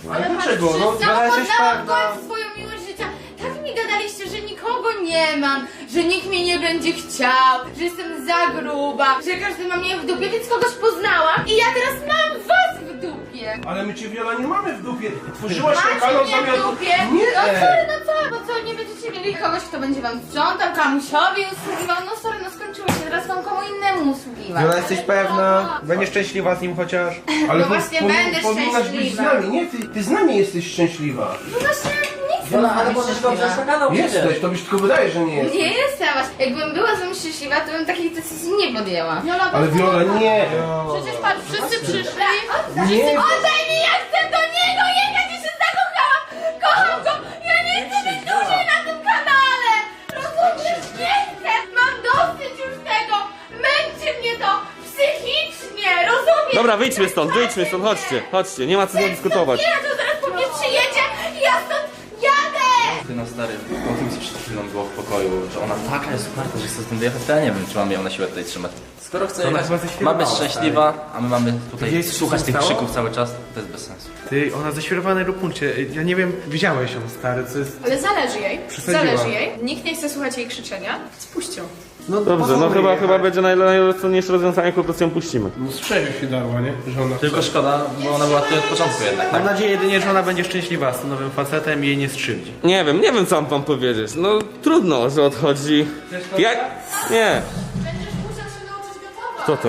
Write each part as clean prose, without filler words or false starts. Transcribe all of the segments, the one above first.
Ale dlaczego? patrz, No, poznałam jesteś w pewna. końcu swoją miłość życia. Tak mi gadaliście, że nikogo nie mam, że nikt mnie nie będzie chciał, że jestem za gruba, że każdy ma mnie w dupie, więc kogoś poznałam i ja teraz mam was w dupie. Ale my cię, Wiola, nie mamy w dupie. Tworzyłaś ten Macie kanał mnie w zamiast... dupie? Nie! No sorry, no co? Bo co, nie będziecie mieli kogoś, kto będzie wam sprzątał, kamusiowi usługiwał? No sorry, no skończyło się, teraz wam komu innemu usługiwać. Wiola, jesteś pewna? Będziesz szczęśliwa z nim chociaż? Ale No właśnie będę powinnaś być z szczęśliwa. nami, nie? Ty z nami jesteś szczęśliwa. No właśnie, nie chcę Wiola, ale być możesz szczęśliwa. dobrze na kanał Jesteś, to byś tylko wydaje, że nie jesteś. Nie jestem właśnie. Jakbym była z wami szczęśliwa, to bym takiej decyzji nie podjęła. Ale Wiola, nie! Przecież patrz, wszyscy przyszli. Nie. Oddaj mi, ja chcę do niego jechać i się zakochałam! Kocham go! Ja nie chcę być dłużej na tym kanale! Rozumiesz? Nie chcę! Mam dosyć już tego! Męczy mnie to psychicznie! Rozumiesz? Dobra, wyjdźmy stąd, chodźcie, chodźcie, nie ma co dyskutować. Nie, to zaraz po mnie przyjedzie i ja stąd jadę! Ty no stary, o tym co przed chwilą było w pokoju, że ona taka jest uparta, że chce z tym dojechać, to ja nie wiem, czy mam ją na siłę tutaj trzymać. Skoro chce Ona jechać, chyba zaświerowała, ma być szczęśliwa, a my mamy tutaj Wiesz, co słuchać się tych stało? krzyków cały czas, to jest bez sensu. Ty, ona zaświerowana na punkcie. Ja nie wiem, widziałeś ją, stary, co jest... Ale zależy jej. Przesadziła. Zależy jej. Nikt nie chce słuchać jej krzyczenia. Spuść ją. No Dobrze, no chyba będzie najrozsądniejsze rozwiązanie, jak po prostu ją puścimy. No z czego się darła, nie? Że ona Tylko szkoda, bo ona była tutaj od początku jednak, tak? Mam nadzieję jedynie, że ona będzie szczęśliwa z tym nowym facetem i jej nie skrzywdzi. Nie wiem co mam wam powiedzieć. No trudno, że odchodzi. Ja... Nie. Będziesz musiał się nauczyć gotować. Co to?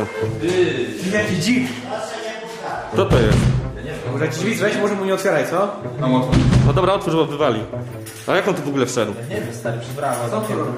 Jaki dzik! Co to jest? Może ci drzwi weź, może mu nie otwieraj, co? No dobra, otwórz, bo wywali. A jak on tu w ogóle wszedł? Nie wiem, stary, przybrała. Co ty robisz?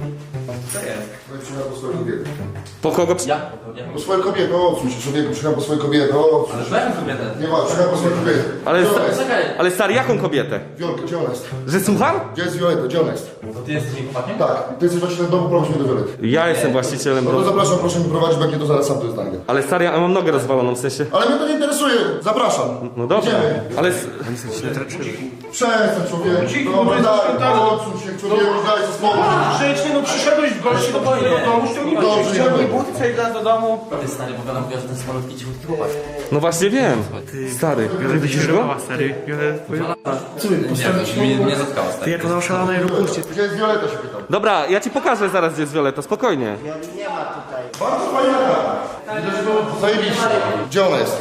Co jest? Przyjechał po swoją kobietę. Po kogo? Ja? Po swoją kobietę, odsuń się, człowieku, przyjechał po swoją kobietę, odsuń Ale się. byłem kobietę. Nie ma, przyjechał po swoją kobietę. Ale, Gdzie ona jest? ale stary, jaką kobietę? Wiolka, gdzie ona jest? Że słucham? Gdzie jest Violeta, gdzie ona jest? To ty jesteś jej chłopakiem? Tak, ty jesteś właścicielem domu, prowadź mnie do Violety. Ja jestem właścicielem No to domu. zapraszam, proszę mi prowadzić, bo jak nie to zaraz sam to znajdę. Ale stary, ja mam nogę rozwaloną, w sensie... Ale mnie to nie interesuje, zapraszam. No dobra, Idziemy. ale... Przestań, człowieku. Cicho, Dobra, bo daj, jesteś odsuń się, człowieku, daj ze spokój. grzecznie, no przyszedłeś w gości do twojego domu, ściągnij Dobrze, Ściągnij idziemy. buty, przejdź nas do domu. Ty stary, bo ona mówiła, że to jest malutki, cichutki chłopak. No właśnie wiem. Stary, Wiola widzisz go? wyświetlała, stary. Wiola... Nie zatkało, Ty, stary. jak ona oszalona i rupuście. Gdzie jest Violeta, się pytam. Dobra, ja ci pokażę zaraz, gdzie jest Violeta, spokojnie. Bardzo fajna kara. Zajebiście. Gdzie ona jest?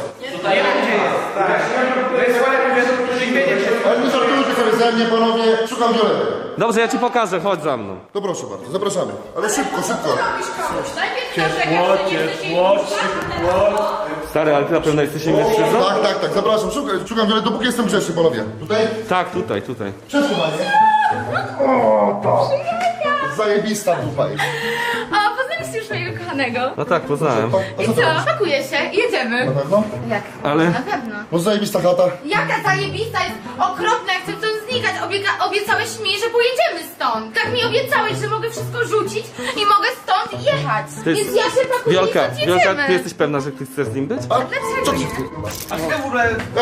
Ale nie żartujcie sobie ze mnie, panowie. Szukam Violety. Dobrze, ja ci pokażę, chodź za mną. To proszę bardzo, zapraszamy. Ale szybko, szybko. Najpierw narzekasz, że nie chcesz jej Stary, ale ty na pewno jesteś mężczyzną? Tak, zapraszam. Szukam Violet, dopóki jestem grzeczny, panowie. Tutaj? Tak, tutaj. Przesuwanie. O, to. Zajebista dupa jest. O, poznaliście już mojego kochanego. No tak, poznałem. A I co co? to robisz? Pakuje się, jedziemy. Na pewno? Jak? Ale... Na pewno. No zajebista chata. Jaka zajebista jest okropna, ja chcę stąd znikać. Obiecałeś mi, że pojedziemy stąd. Tak mi obiecałeś, że mogę wszystko rzucić i mogę stąd jechać. To jest- Więc ja się pakuję Wiolka, i stąd jedziemy. Wiolka, ty jesteś pewna, że ty chcesz z nim być? A Dlaczego co ty? nie? A ty w ogóle...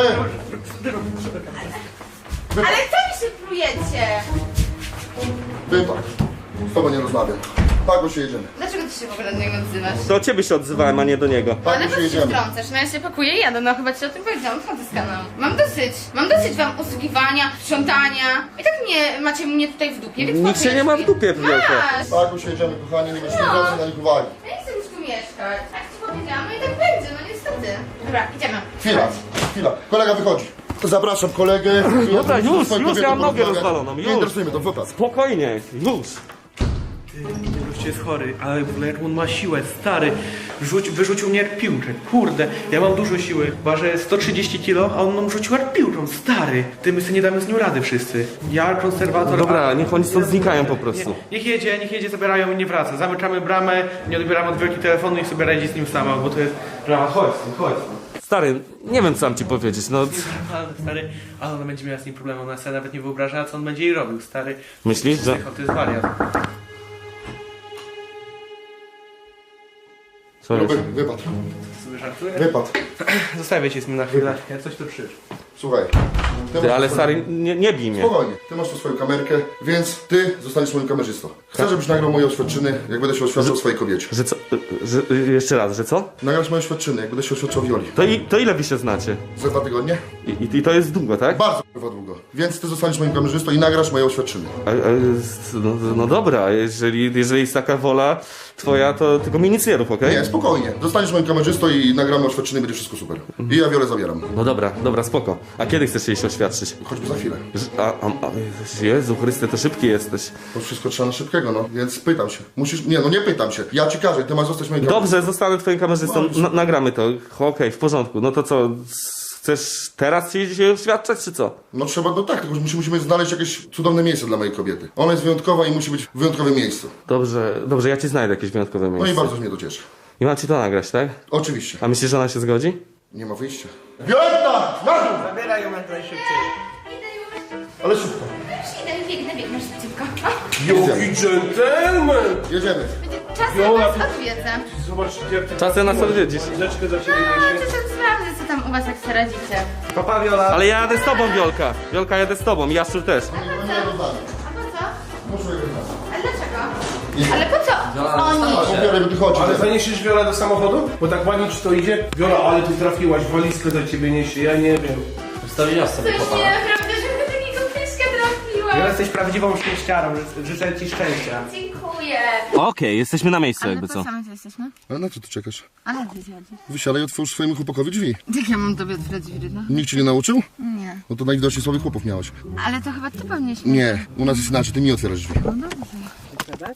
Ale co mi się plujecie? Wypad. Z tobą nie rozmawiam. Tak, bo się jedziemy. Dlaczego ty się w ogóle do niego odzywasz? To od ciebie się odzywałem, a nie do niego. Tak, Ale bo po się co się jedziemy. wtrącasz? No ja się pakuję i jadę, no chyba ci o tym powiedziałam, wchodzę z kanału. Mam dosyć wam usługiwania, sprzątania. I tak macie mnie tutaj w dupie, więc Nikt się nie ma w dupie, Wiolka. Masz! Tak, bo się jedziemy, kochani, nie będziemy zwracać na nich uwagi. Ja nie chcę już tu mieszkać. Tak ci powiedziałam, no i tak będzie, no niestety. Dobra, idziemy. Chwila. Kolega wychodzi. Zapraszam kolegę. Dobra, już, Swoją ja kobietą mam nogę porozmawiać. rozwaloną, Nie już. interesuje mnie to, wypad. Spokojnie, już. Ty, gościu jest chory, ale w ogóle jak on ma siłę, stary. Wyrzucił mnie jak piłkę, kurde. Ja mam dużo siły, ważę 130 kg, a on nam rzucił jak piłką, stary. Ty, my sobie nie damy z nią rady wszyscy. Ja, konserwator... Dobra, niech oni stąd znikają po prostu. Niech jedzie, zabierają i nie wraca. Zamykamy bramę, nie odbieramy od wielki telefonu i sobie radzi z nim sama, bo to jest drama. Chodź stąd. Stary, nie wiem co mam ci powiedzieć, no... Stary, ale ona będzie miała z nim problemu, ona sobie nawet nie wyobraża, co on będzie jej robił, stary. Myślisz, że... To jest wariat. Co jest? Wypad. Sobie żartuję? Wypad. Zostawię cię z nim na chwilę, ja coś tu przyszło. Słuchaj. Ty, ale stary, nie bij mnie. Spokojnie, ty masz tu swoją kamerkę, więc ty zostaniesz moim kamerzystą. Chcę, żebyś nagrał moje oświadczyny, jak będę się oświadczał swojej kobiecie. Że co? Jeszcze raz, że co? Nagrasz moje oświadczyny, jak będę się oświadczał Wioli. To ile wy się znacie? Za 2 tygodnie? I to jest długo, tak? Bardzo kurwa długo. Więc ty zostaniesz moim kamerzystą i nagrasz moje oświadczyny. No dobra, jeżeli jest taka wola twoja, to tylko mi nic nie rób, okej? Nie, spokojnie. Zostaniesz moim kamerzystą i nagramy oświadczyny, będzie wszystko super. I ja Wiolę zabieram. No dobra, spoko. A kiedy chcesz jej się oświadczyć? Choćby za chwilę. Jezu Chryste, to szybki jesteś. To wszystko trzeba na szybkiego, no. Więc pytam się. Musisz... Nie, no nie pytam się. Ja ci każę, ty masz zostać moim kamerzystą. Dobrze, zostanę twoim kamerzystą, nagramy to. Okej, w porządku. No to co, chcesz teraz się oświadczać, czy co? No trzeba, no tak, tylko musimy znaleźć jakieś cudowne miejsce dla mojej kobiety. Ona jest wyjątkowa i musi być w wyjątkowym miejscu. Dobrze, ja ci znajdę jakieś wyjątkowe No miejsce. i bardzo mnie to cieszy. I mam ci to nagrać, tak? Oczywiście. A myślisz, że ona się zgodzi? Nie ma wyjścia. Violetta! Na dół! Zabieraj ją jak najszybciej. Ale szybko. Już idę, biegnę szybciutko. Jaki dżentelmen! Jedziemy. Będzie czas Viola, na was ty- odwiedzę. Zobacz, jak ty... Czasem nas odwiedzisz. Chwileczkę za ciebie No, niesie. to się sprawdzę, co tam u was jak sobie radzicie. Papa Viola. Ale ja jadę z tobą, Wiolka. Wiolka, jadę z tobą. Jaszczur też. A po co? Muszę jechać. A dlaczego? Ale po co? Oni. Biorę, bo ty chodzi. Ale zaniesiesz Wiola do samochodu? Bo tak ładnie ci to idzie. Wiola, ale ty trafiłaś, walizkę do ciebie niesie, ja nie wiem. Wstawiłaś sobie Coś chłopaka. nieprawda, że my takiego pieszka trafiła. Viola, jesteś prawdziwą szczęściarą. Życzę ci szczęścia. Dziękuję. Okej, jesteśmy na miejscu, jakby co. same tu jesteśmy? Ale na co ty czekasz? Ale ty zjadzi. Wysiadaj i otwórz swojemu chłopakowi drzwi. Jak ja mam tobie otwierać drzwi, no? Nikt cię nie nauczył? Nie. No to najwidoczniej słabych chłopów miałeś. Ale to chyba ty powinieneś... Nie, u nas jest inaczej, ty mi otwierasz drzwi. No dobrze.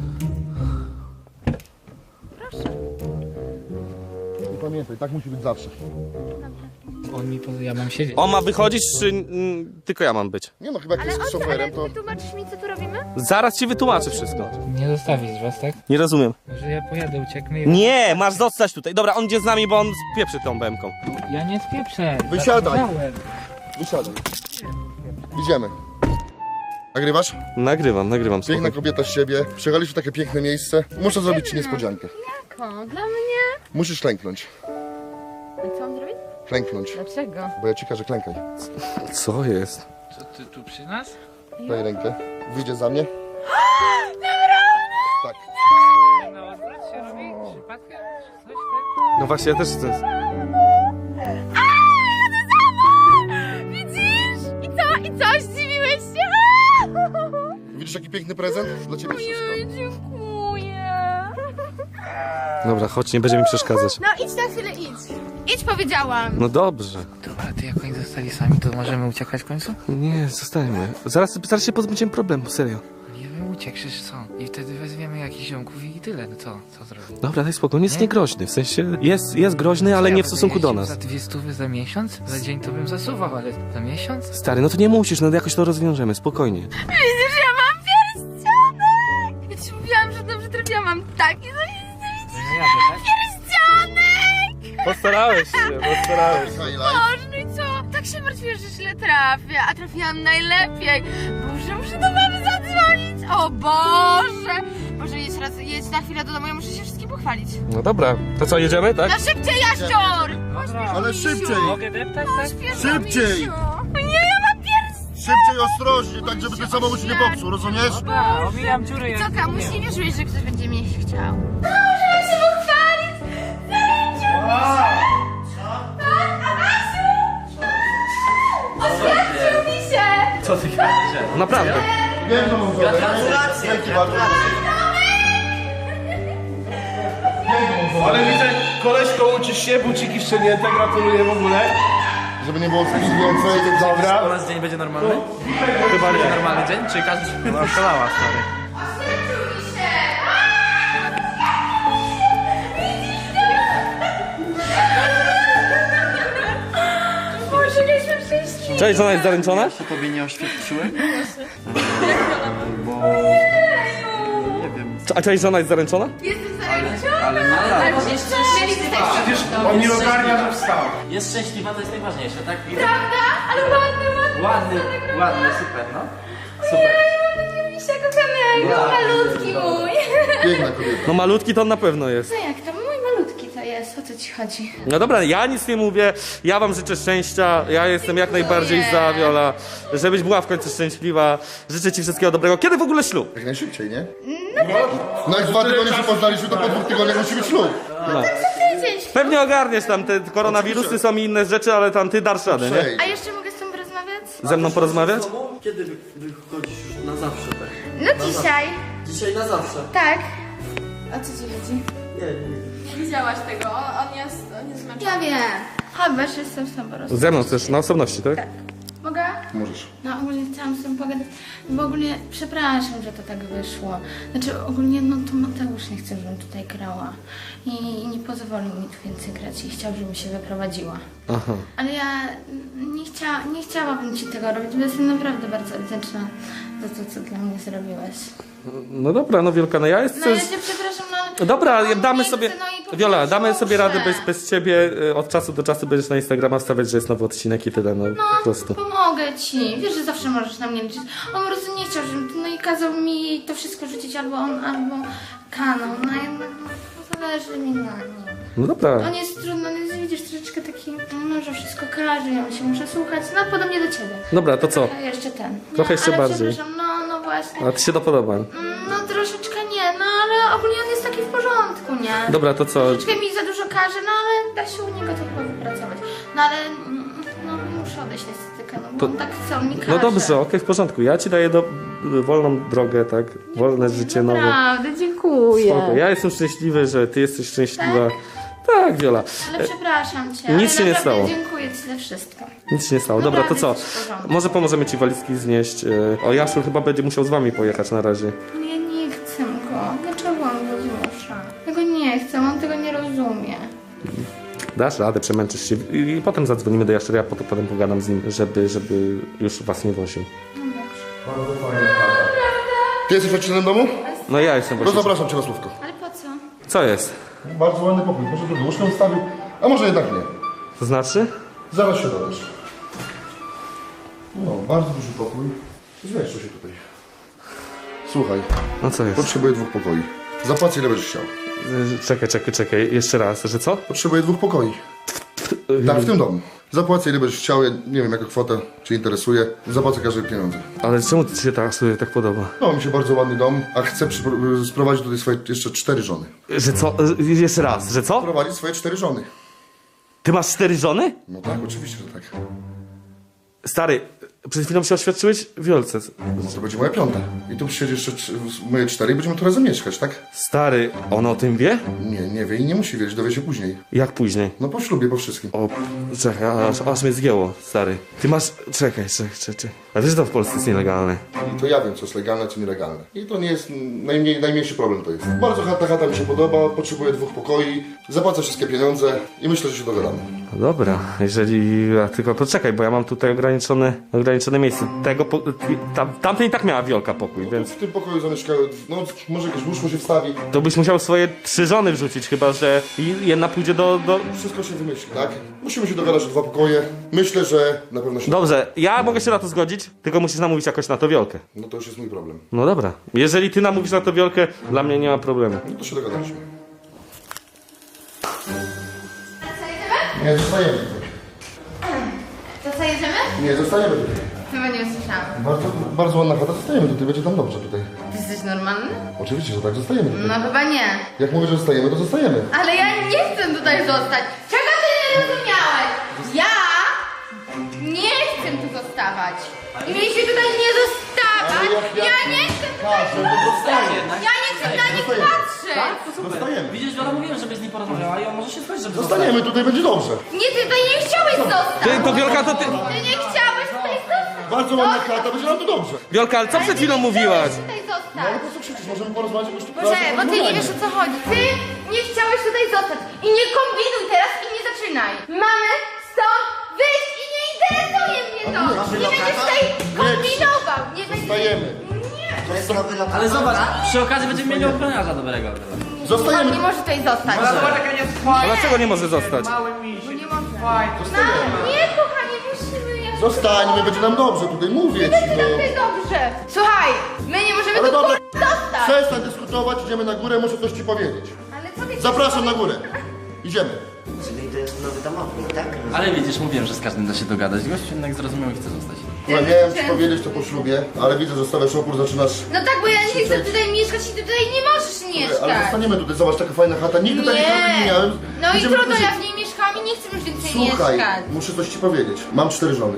I pamiętaj, tak musi być zawsze. Ja mam siedzieć. On ma wychodzić, czy tylko ja mam być? Nie no, chyba jak Ale jesteś szoferem, to... wytłumaczysz mi, co tu robimy? Zaraz ci wytłumaczę wszystko. Nie zostawisz was, tak? Nie rozumiem. Że ja pojadę, ucieknę i... Nie, masz zostać tutaj. Dobra, on idzie z nami, bo on spieprzy tą bębką. Ja nie spieprzę. Wysiadaj. Zapisałem. Wysiadaj. Idziemy. Nagrywasz? Nagrywam, Piękna spokojnie. kobieta z siebie. Przyjechaliśmy w takie piękne miejsce. Muszę zrobić ci niespodziankę. Jaką? Dla mnie? Musisz klęknąć. A co mam zrobić? Klęknąć. Dlaczego? Bo ja ci każę, klękaj. Co jest? Co ty tu przy nas? Daj rękę. Wyjdziesz za mnie? Tak. Na odwrót się robi? Przypadkiem? Coś tak? No właśnie, ja też chcę. Widzisz? I co? Zdziwiłeś się? Widzisz jaki piękny prezent? Dla ciebie wszystko. Dziękuję. Dobra, chodź, nie będzie mi przeszkadzać. No idź na chwilę, idź. Idź, powiedziałam. No dobrze. Dobra, ty jak oni zostali sami, to możemy uciekać w końcu? Nie, zostańmy. Zaraz się pozbędziemy problemu, serio. Nie wiem, uciekniesz co? I wtedy wezwiemy jakichś ziomków i tyle, no co zrobić? Dobra, daj spokój, on jest niegroźny. W sensie jest groźny, ale nie w stosunku do nas. Za 200 za miesiąc? Za dzień to bym zasuwał, ale za miesiąc? Stary, no to nie musisz, no jakoś to rozwiążemy, spokojnie. Widzisz, ja mam pierścionek. Ja ci mówiłam, że dobrze trafiłam. Mam taki pierścionek. Postarałeś się. Boże, no i co? Tak się martwię, że źle trafię, a trafiłam najlepiej. Boże, muszę do mamy zadzwonić. O Boże. Boże, jedź na chwilę do domu, ja muszę się wszystkim pochwalić. No dobra, to co, jedziemy, tak? No szybciej, Jaszczur! Ale szybciej! Mogę deptać, tak? Szybciej! Nie, ja mam pierścionek. Szybciej, ostrożnie, tak żeby ten samochód się nie popsuł, rozumiesz? Dobra, omijam dziury. jak Co, kamuś umiem. nie wierzyłeś, że ktoś będzie mnie chciał. Możemy się pochwalić! Zaręczył mi się! Tak, Adasiu! Oświadczył mi się! Co ty gadasz? Naprawdę. Wiem, że mam żonę. Dzięki bardzo. Ale widzę, koleżko, uczysz się, buciki szczenięte, gratuluję w ogóle. Żeby nie było więcej, dobra. U nas dzień będzie normalny? Chyba będzie normalny dzień? Czy każdy... No, szalała, stary. Oświadczył mi się! Boże, mieliśmy szczęśliwie! Cześć, żona jest zaręczona? Tobie nie oświadczyły? Nie wiem. A cześć, żona jest zaręczona? Jestem zaręczona! Ale no tak. Mieliśmy też Przecież on nie ogarnia, że wstał. Jest szczęśliwa, to jest najważniejsze, tak? Prawda? Ale ładny. Ładny, super, no. Super. Misia kochanego, malutki mój. Piękna kobieta. No malutki to on na pewno jest. No jak to mój malutki to jest? o co ci chodzi? No dobra, ja nic nie mówię, ja wam życzę szczęścia, ja jestem jak najbardziej za, Wiola, żebyś była w końcu szczęśliwa, życzę ci wszystkiego dobrego. Kiedy w ogóle ślub? Jak najszybciej, nie? No jak 2 tygodnie się poznaliśmy, to po 2 tygodniach musi być ślub. Tydzień. Pewnie ogarniesz tam, te koronawirusy są i inne rzeczy, ale tam ty dasz radę, nie? Ej, A jeszcze mogę z tobą porozmawiać? Ze mną porozmawiać? Kiedy wychodzisz już na zawsze, tak? No dzisiaj. Dzisiaj na zawsze. Tak. O co ci chodzi? Nie. Widziałaś tego, on jest zmęczony. Ja wiem. Chodź, jestem z tobą porozmawiać. Ze mną też, na osobności, tak? Mogę? możesz. No ogólnie chciałam z tobą pogadać, bo ogólnie przepraszam, że to tak wyszło. Znaczy ogólnie no to Mateusz nie chce, żebym tutaj grała i nie pozwolił mi tu więcej grać i chciał, żebym się wyprowadziła. Aha. Ale ja nie chciałabym ci tego robić, bo jestem naprawdę bardzo wdzięczna za to, co dla mnie zrobiłeś. No dobra, no Wielka, no ja No jestem... ja cię przepraszam, no ale... Dobra, on damy nie sobie... chce, no i po Wiola, prostu damy sobie radę muszę. bez ciebie. Od czasu do czasu będziesz na Instagrama wstawiać, że jest nowy odcinek i tyle, no po prostu. Pomogę ci. Wiesz, że zawsze możesz na mnie liczyć. On po prostu nie chciał, żebym... No i kazał mi to wszystko rzucić albo on, albo kanał. No jednak no, zależy mi na nim. No dobra. On jest trudny, on jest, widzisz, troszeczkę taki... No, że wszystko każe, ja się muszę słuchać. No, podobnie do ciebie. Dobra, to co? A jeszcze ten. Trochę jeszcze ale bardziej. Przepraszam, no właśnie. A ty się to podoba. No troszeczkę nie, no ale ogólnie on jest taki w porządku, nie? Dobra, to co? Troszeczkę mi za dużo każe, no ale da się u niego to chyba wypracować. No ale no muszę odejść niestety, no bo To- on tak chce, on mi każe. No dobrze, okej, w porządku. Ja ci daję wolną drogę, tak? Wolne życie nowe. Naprawdę, dziękuję. Spoko. Ja jestem szczęśliwy, że ty jesteś szczęśliwa. Tak, Wiola. Ale przepraszam cię, Nic ale się nie naprawdę stało. dziękuję ci za wszystko. Nic się nie stało. Dobra, to co? Naprawdę jesteś w porządku. Może pomożemy ci walizki znieść. O, Jaszur chyba będzie musiał z wami pojechać na razie. Ja nie chcę go. Dlaczego on go zmusza? Ja go nie chcę, on tego nie rozumie. Dasz radę, przemęczysz się i potem zadzwonimy do Jaszczura, ja potem pogadam z nim, żeby już was nie woził. Ty jesteś właścicielem domu? No ja jestem No właśnie. zapraszam cię na słówko. Ale po co? Co jest? Bardzo ładny pokój, może drugi łóżkę ustawił, a może jednak nie. To znaczy? Zaraz się dowiesz. No, bardzo duży pokój. Zmieszczę się tutaj. Słuchaj, No co jest? potrzebuję 2 pokoi. Zapłacę ile będziesz chciał. Czekaj, jeszcze raz, że co? Potrzebuję 2 pokoi. Tak, w tym domu. Zapłacę ile będziesz chciał, ja nie wiem jaka kwota cię interesuje. Zapłacę każde pieniądze. Ale czemu ci się sobie tak podoba? No, mi się bardzo ładny dom, a chcę sprowadzić tutaj swoje jeszcze 4 żony. Że co? Jeszcze raz, że co? Sprowadzić swoje 4 żony. Ty masz 4 żony? No tak, oczywiście, że tak. Stary, przed chwilą się oświadczyłeś Wiolce. No to będzie moja 5. I tu przyjedzie jeszcze moje 4 i będziemy tu razem mieszkać, tak? Stary, ona o tym wie? Nie wie i nie musi wiedzieć, dowie się później. Jak później? No po ślubie, po wszystkim. O, czekaj, aż mnie zgięło, stary. Ty masz... Czekaj. A wiesz, że to w Polsce jest nielegalne. I to ja wiem, co jest legalne, co nielegalne. I to nie jest najmniejszy problem to jest. Bardzo ta chata mi się podoba, potrzebuję 2 pokoi, zapłacę wszystkie pieniądze i myślę, że się dogadamy. No dobra, jeżeli... Tylko poczekaj, bo ja mam tutaj ograniczone miejsce. Tamten i tak miała Wiolka pokój, więc... W tym pokoju zamieszkały, no może jakieś łóżko się wstawi, To byś musiał swoje 3 żony wrzucić, chyba że jedna pójdzie do... wszystko się wymyśli, tak? Musimy się dogadać o 2 pokoje. Myślę, że na pewno się... Dobrze, ja mogę się na to zgodzić, tylko musisz namówić jakoś na to Wiolkę. No to już jest mój problem. No dobra, jeżeli ty namówisz na to Wiolkę, dla mnie nie ma problemu. No to się dogadaliśmy. Co jedziemy? Nie, zostajemy tutaj. To co jedziemy? Nie, zostajemy tutaj. Chyba nie usłyszałam. Bardzo ładna chata, zostajemy tutaj, będzie tam dobrze tutaj. Ty jesteś normalny? Oczywiście, że tak, zostajemy tutaj. No chyba nie. Jak mówię, że zostajemy, to zostajemy. Ale ja nie chcę tutaj zostać. Czego ty nie rozumiałeś? Ja nie chcę tu zostawać. I mieliśmy tutaj nie zostawać. Ja nie chcę tutaj zostać. Ja nie chcę na nich patrzeć. Zostajemy. Widzisz, Wiola, mówiłem, żebyś z nim porozmawiała i on może się zgodzić, żeby Zostaniemy, tutaj będzie dobrze. Nie, ty tutaj nie chciałeś zostać. To Wiolka, to ty... Ty nie chciałeś tutaj zostać. Bardzo ładna chata, będzie nam tu dobrze. Wiolka, ale co przed chwilą mówiłaś? Tutaj No ale zostać. po co krzyczysz? Możemy porozmawiać jakoś tu. Boże, bo ty nie wiesz o co chodzi. Ty nie chciałeś tutaj zostać. I nie kombinuj teraz i nie zaczynaj. Mamy stąd wyjść i nie interesuje mnie to. Nie będziesz tutaj kombinował. Nie będziesz... Zostajemy. Ale zobacz, przy okazji będziemy mieli ochroniarza dobrego. On Zostajemy. nie może tutaj zostać. A dlaczego nie może zostać? Bo nie może. Nie, kochanie, musimy. Ja... Zostańmy, będzie nam dobrze, tutaj mówię ci, Będzie nam no. tutaj dobrze. Słuchaj, my nie możemy Ale tu dobra, zostać. przestań dyskutować, idziemy na górę, muszę coś ci powiedzieć. Ale co ty... Zapraszam na górę. Idziemy. Czyli to jest nowy domownik, tak? Ale widzisz, mówiłem, że z każdym da się dogadać. Gość jednak zrozumiał i chce zostać. Słuchaj, miałem ci powiedzieć to po ślubie, ale widzę, że stawiasz opór, zaczynasz... No tak, bo ja nie chcę tutaj mieszkać i ty tutaj nie możesz mieszkać. Ale zostaniemy tutaj, zobacz, taka fajna chata, nigdy takiej chaty nie miałem. No i Będziemy trudno, tutaj- ja w niej mieszkałam i nie chcę już więcej Słuchaj, mieszkać. muszę coś ci powiedzieć. Mam 4 żony.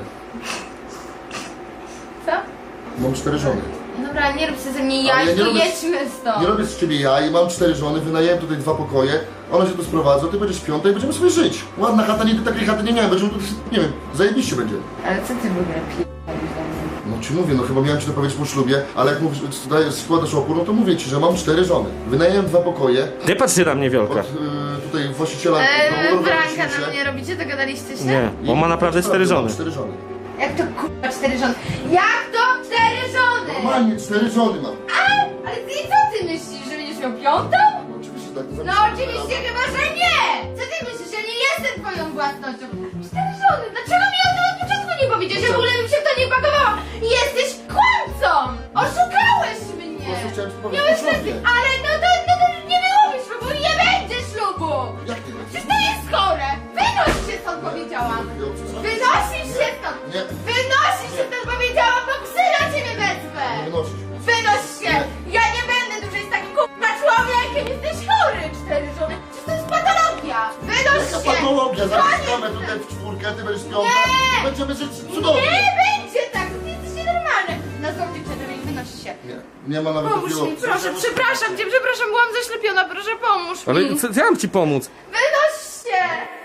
Co? Mam 4 żony. Dobra, nie rób sobie ze mnie Ale jaj, ja nie to robię- jedźmy stąd. Nie robię z ciebie jaj, mam 4 żony, wynajęłem tutaj 2 pokoje, one się tu sprowadzą, ty będziesz 5 i będziemy sobie żyć. Ładna chata, nigdy takiej chaty nie miałem, będziemy tu, nie wiem, zajebiście będzie. Ale co ty w ogóle pijesz? No ci mówię, no chyba miałem ci to powiedzieć po ślubie, ale jak mówisz, składasz opór, no to mówię ci, że mam 4 żony. Wynajęłem 2 pokoje Nie patrzy na mnie, Wiolka. od tutaj właściciela domu, Branka na mnie robicie? Dogadaliście się? Nie, on ma naprawdę 4 żony. 4 żony. Jak to kurwa 4 żony? Jak to 4 żony? Normalnie 4 żony mam. Ale ty co ty myślisz, że będziesz miał piątą? No oczywiście tak. No oczywiście chyba, że nie! Co ty myślisz, ja nie jestem twoją własnością? 4 żony, dlaczego mi o tym od początku nie powiedziałeś? Ja w ogóle bym się w to nie pakowała! Jesteś kłamcą! Oszukałeś mnie! Po prostu chciałem ci powiedzieć Miałeś po ślubie. rację, ale no to nie było mi ślubu, nie będzie ślubu! Jak ty? Przecież to jest chore! Wynoś się stąd, powiedziałam! Wynosisz się stąd! Nie. Wynosisz się stąd, powiedziałam, bo psy na ciebie wezmę! Nie wynosisz. Wynoś się! Ja nie będę dłużej z takim k***a człowiekiem! Jesteś chory! 4 żony! Przecież to jest patologia! Wynoś Jaka się! patologia, zaraz Koniec! mamy tutaj w 4, ty będziesz 5 Nie. i będziemy żyć cudownie. Nie będzie tak! Ty jesteś nienormalny! Na zdrowie przedem i wynoś się! Nie, nie ma nawet Pomóż takiego... mi, proszę, przepraszam cię, przepraszam, byłam zaślepiona, proszę pomóż mi! Ale co, ja mam ci pomóc. Wynoś się!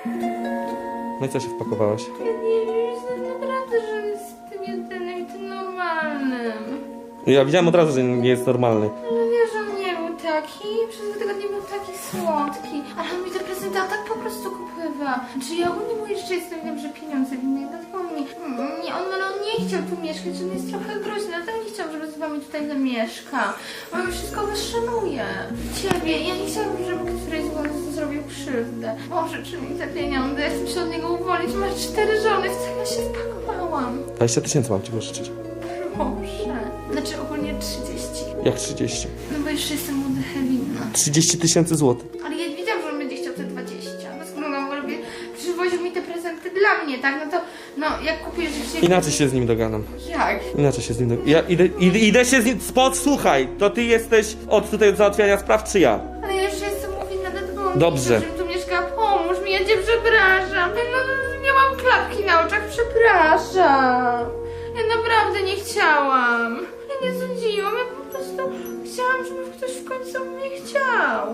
No i co się wpakowałaś? Ja nie wiem, jestem naprawdę, że on jest tym jedynym i tym normalnym. Ja widziałem od razu, że nie jest normalny. Ale wiesz, że on nie był taki, przez 2 tygodnie był taki słodki. Ale on mi te prezenty tak po prostu kupywa. Czy ja ogólnie mu jeszcze jestem, wiem, że pieniądze winny, dlatego on nie chciał tu mieszkać, on jest trochę groźny, dlatego nie chciał, żeby z wami tutaj zamieszka. On mi wszystko wyszanuje. Ciebie, ja nie chciałabym, żeby któryś z was zrobił krzywdę. Boże, czy mi te pieniądze, ja chcę się od niego uwolnić, masz 4 żony, w co ja się wpakowałam? 20 000 mam ci pożyczyć. Proszę. Znaczy ogólnie 30. Jak 30? No bo jeszcze jestem młodych winna. 30 000 złotych. Ale ja wiedziałam, że on będzie chciał te 20. No skoro on w ogóle przywoził mi te prezenty dla mnie, tak? No to, no jak kupujesz się... Inaczej się z nim dogadam. Jak? Inaczej się z nim dogadam. Ja idę się z nim... Słuchaj, to ty jesteś od tutaj załatwiania spraw, czy ja? Ale ja jeszcze jestem winna, dlatego on Dobrze. żebym tu mieszkała. Pomóż mi, ja cię przepraszam. No nie mam klapki na oczach, przepraszam. Ja naprawdę nie chciałam. Ja nie sądziłam, ja po prostu chciałam, żeby ktoś w końcu mnie chciał.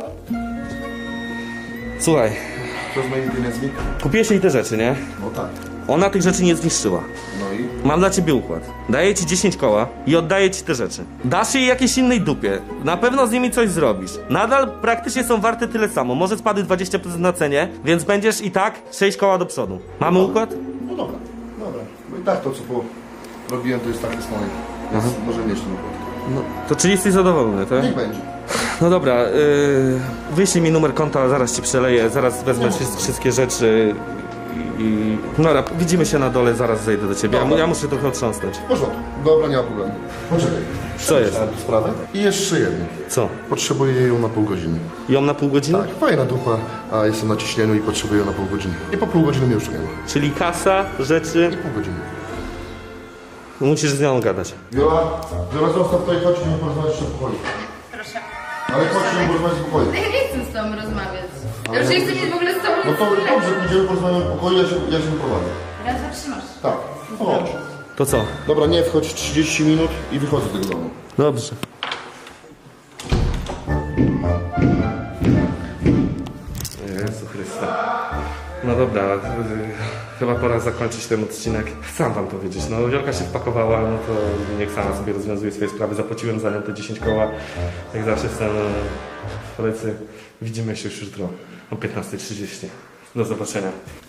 Słuchaj, Co z moimi pieniędzmi? kupiłeś jej te rzeczy, nie? No tak. Ona tych rzeczy nie zniszczyła. No i? Mam dla ciebie układ. Daję ci 10 koła i oddaję ci te rzeczy. Dasz jej jakiejś innej dupie. Na pewno z nimi coś zrobisz. Nadal praktycznie są warte tyle samo. Może spadły 20% na cenie, więc będziesz i tak 6 koła do przodu. Mamy układ? No dobra, dobra. Bo i tak to, co robiłem, to jest takie z mojej. Więc może mieć ten układ. No, to czyli jesteś zadowolony, tak? Niech będzie. No dobra, wyślij mi numer konta, zaraz ci przeleję, zaraz wezmę wszystkie rzeczy i... Dobra, widzimy się na dole, zaraz zejdę do ciebie. Dobra. Ja muszę trochę otrząsnąć. W porządku. Dobra, nie ma problemu. Poczekaj. Co jest? Przemyślałem tę sprawę. I jeszcze jedno. Co? Potrzebuję ją na pół godziny. Ją na pół godziny? Tak, fajna dupa, a jestem na ciśnieniu i potrzebuję ją na pół godziny. I po pół godziny mnie już nie ma. Czyli kasa, rzeczy... I pół godziny. Musisz z nią gadać. Wiola, zostaw tutaj, chodź, nie porozmawiać jeszcze w pokoju. Proszę. Ale chodź, nie porozmawiać w pokoju. Ja nie chcę z tobą rozmawiać. Ja już nie chcę mieć w ogóle z tobą No nic to wspólnego. dobrze, pójdziemy porozmawiać w pokoju, ja się wyprowadzę. Raz zatrzymasz. Tak, chodź. To co? Dobra, nie wchodź 30 minut i wychodzę z tego domu. Dobrze. Jezu Chryste. No dobra, chyba pora zakończyć ten odcinek. Chcę wam powiedzieć, no Wiolka się wpakowała, no to niech sama sobie rozwiązuje swoje sprawy. Zapłaciłem za nią te 10 koła. Jak zawsze jestem w pracy. Widzimy się już jutro o 15:30. Do zobaczenia.